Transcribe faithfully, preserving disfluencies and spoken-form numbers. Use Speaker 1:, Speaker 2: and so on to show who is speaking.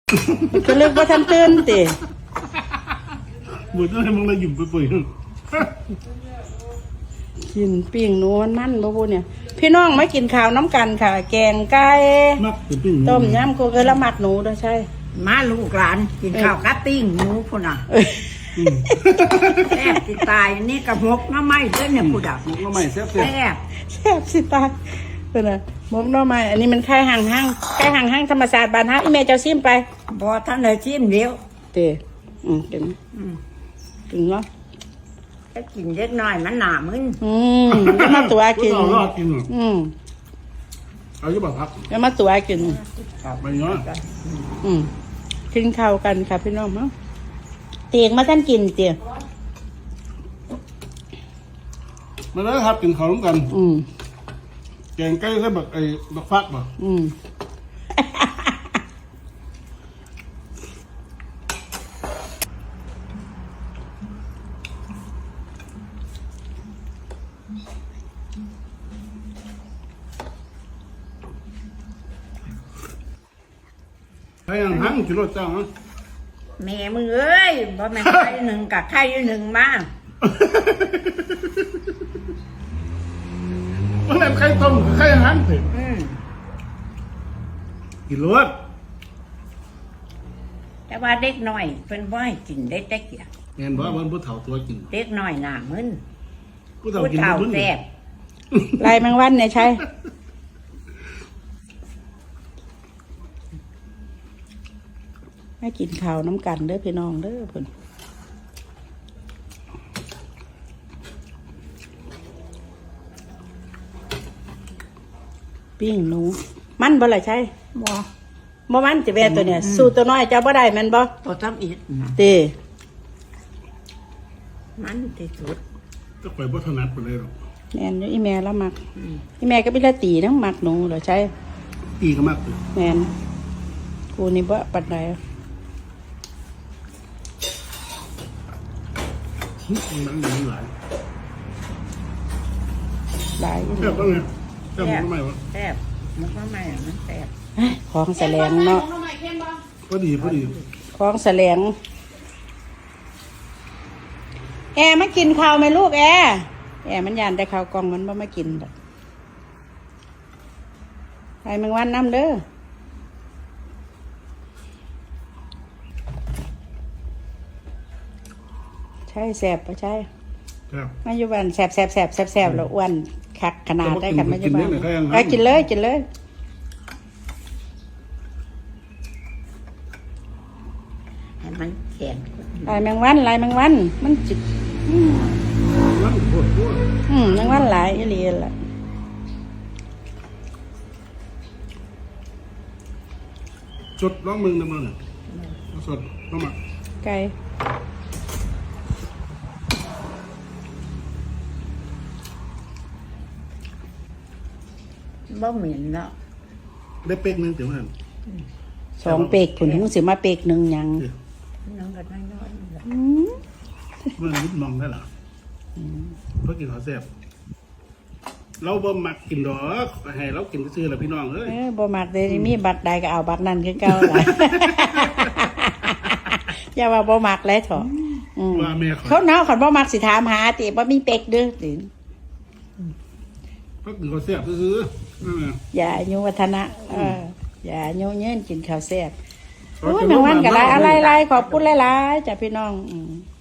Speaker 1: ก็เลิกว่าทำตื่นติ
Speaker 2: บุญต้องให้มึงเลยหยุ่มไปปุ๋ย
Speaker 1: กินปิ้งนูมันมันบ่บุเนี่ยพี่น้องมากินข้าวน้ำกันค่ะ แกงไก่ต้มยำกูเคยละหมักหนูด้วยใช่
Speaker 3: มาลูกหลานกินข้าวกะติ้งหมูพุ่นน่ะแซ่บสิตายนี่กระมกน้ำไม้เด้อเนี่ยผู้ดับ
Speaker 2: มกน้ำไม้แซ่บ
Speaker 3: แซ่บ
Speaker 1: แซ่บสิตายเป็นไงมกน้ำไม้อันนี้มันไข่ห่างห้างไข่ห่างห้างธรรมศาสตร์บ้านฮะอีเมเจ้าซิมไป
Speaker 3: บ่ท่านเลยชิมเดียว
Speaker 1: เตะอืมกินกินเนาะ
Speaker 3: จะกินเล็กน้อยมันหนามึน
Speaker 1: อืมก็มาตัวกินอืม
Speaker 2: เอาอยู่บ่ครับ
Speaker 1: ก็มาตัวกิน
Speaker 2: ไปเนาะ
Speaker 1: อืมกินข้าวกันค่ะพี่น้องมั้งเตียงมาท่านกินเตียง
Speaker 2: มาแล้วครับกินข้าวร่วมกัน
Speaker 1: อืม
Speaker 2: แกงไก่ใส่บักไอ้บักฟักบ่
Speaker 1: อืม
Speaker 2: ใครยังหังกิโลจ้างฮะ
Speaker 3: แม่มึงเอ้ยบ่แม่นไข่หนึ่งกับไข่หนึ่งมา
Speaker 2: มันแบบไข่ต้มไข่หันถึงกิโล
Speaker 3: แต่ว่าเด็กน้อยเพิ่นบ่ให้กินได้แต่เกี่ย
Speaker 2: เห็นบ่ว่าผู้เฒ่าตัวกิน
Speaker 3: เด็กน้อยหน้ามึน
Speaker 2: ผู้เฒ่ากินมึน
Speaker 3: แซ่บ
Speaker 1: ลายแมงวันเนี่ยใช่ให้กินข้าวน้ำกันเด้อพี่น้องเด้อเพิ่นปิ้งหนูมันบ่ล่ะใช่บ่บ่มันจะแว่ตัวเนี่ยสู้ตัวน้อยเจ้าบ่ได้แม่นบ่
Speaker 3: ตัวทำอีก
Speaker 1: ติ
Speaker 3: มันที่สุด
Speaker 2: ก็ไปบ่ถนัดปานใดหรอก
Speaker 1: แม่นอยู่อีแม่ละมักอีแม่ก็มีละตีนำมักหนูเหรอใช่
Speaker 2: ตีก็มัก
Speaker 1: แม่นกูนี่บ่ปานใด
Speaker 2: มันมีหลาย
Speaker 1: หลาย
Speaker 2: แซ่บบ้างไงแซ่บมันทำไมวะ
Speaker 3: แซ่บมันทำไมมันแซ่บ
Speaker 1: ของแสลงเนาะ
Speaker 2: พอดีพอดี
Speaker 1: ของแสลงแอร์มากินข้าวไหมลูกแอร์แอร์มันยานแต่ข้าวกล่องมันบ่มากินดอกใครแมงวันน้ำเด้อใช่แสบปะใช่มาอยู่บ้านแสบแสบแสบแสบแสบแล้วอ้วนคักขนาดได้กันมาอยู่บ้านไปกินเลยกินเลย
Speaker 3: ให้มันแข็ง
Speaker 1: ลายแมงวันลายแมงวันมันจิตอืมอืมแมงวันหลายอีหลีแหละ
Speaker 2: สดร้องมึงนะมึงสดร้องมา
Speaker 1: ไก่
Speaker 3: บ่เหม็นแล้ว
Speaker 2: ได้เป๊กนึงเดี๋ยวมัน
Speaker 1: สองเป๊กผุนถึงสิมาเป๊กหนึ่งยัง
Speaker 3: น้องก็น้อย
Speaker 2: ๆมันนิดมองได้หรอเพราะกินข้าวแซ่บเราบ่มักกินดอกให้เรากินซื่อๆแหละพี่น้องเอ้ย
Speaker 1: บ่มักเลยมีบัตรใดก็เอาบัตรนั้นคือเก่าล่ะอย่าว่าบ่มักเลยเถอะ
Speaker 2: ว่าแม่
Speaker 1: เขาเนาคันบ่มักสิถามหาติบ่มีเป๊กเด้อติ
Speaker 2: เพราะกินข้าวแซ่บซื่อ
Speaker 1: ๆอย่าอายุวัฒนะเอออย่าอายุยืนกินข้าวแซ่บโอ้ยแมงวันก็หลายอะไรๆขอบคุณหลายๆจ้ะพี่น้องอืม